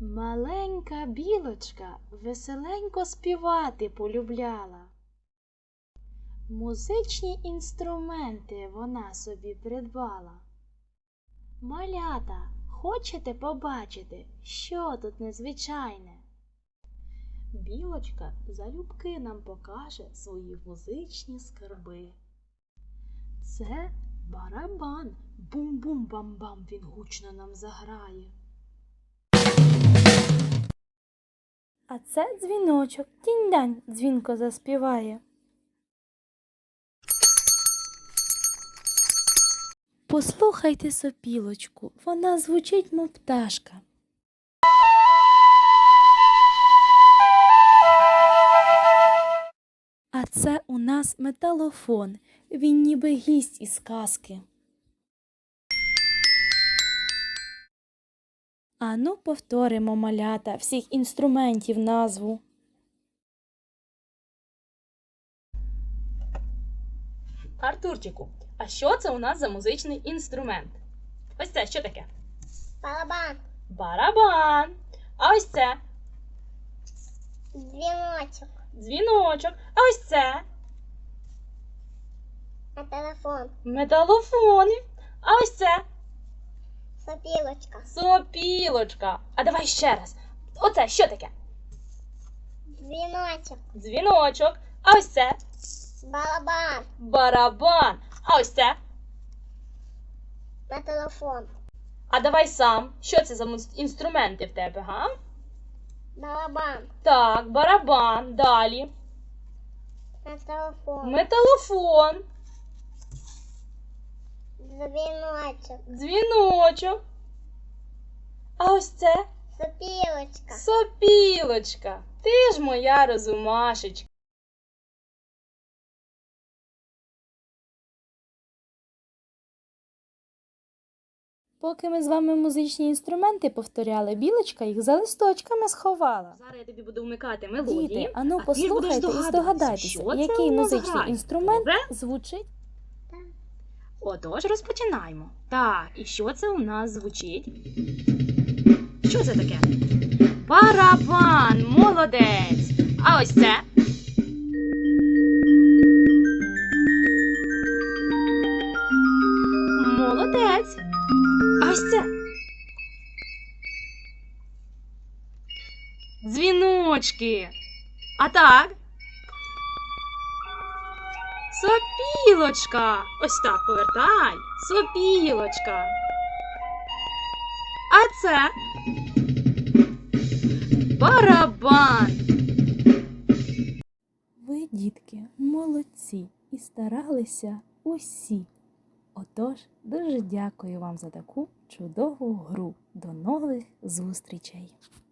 Маленька білочка веселенько співати полюбляла. Музичні інструменти вона собі придбала. Малята, хочете побачити, що тут незвичайне? Білочка залюбки нам покаже свої музичні скарби. Це барабан, бум-бум-бам-бам, він гучно нам заграє. А це дзвіночок, тінь-дань, дзвінко заспіває. Послухайте сопілочку, вона звучить, мов пташка. А це у нас металофон, він ніби гість із казки. Ану, повторимо, малята, всіх інструментів назву. Артурчику, а що це у нас за музичний інструмент? Ось це що таке? Барабан. Барабан. А ось це? Дзвіночок. Дзвіночок. А ось це? Телефон. Металофон. А ось це? Сопілочка. Сопілочка. А давай ще раз. Оце що таке? Дзвіночок. Дзвіночок. А ось це? Барабан. Барабан. А ось це? Телефон. А давай сам. Що це за інструменти в тебе, га? Барабан. Так, барабан. Далі. Телефон. Металофон. Дзвіночок. Дзвіночок. А ось це? Сопілочка. Сопілочка. Ти ж моя розумашечка. Поки ми з вами музичні інструменти повторяли, білочка їх за листочками сховала. Зараз я тобі буду вмикати мелодії. Діти, ану а ти ж будеш послухайте і здогадайтеся, що це який у нас музичний грає. інструмент Добре? звучить. Отож, розпочинаємо. Так, і що це у нас звучить? Що це таке? Барабан, молодець. А ось це? Молодець. А ось це? Дзвіночки. А так? Сопілочка. Ось так повертай. Сопілочка. А це? Барабан. Ви, дітки, молодці і старалися усі. Отож, дуже дякую вам за таку чудову гру. До нових зустрічей!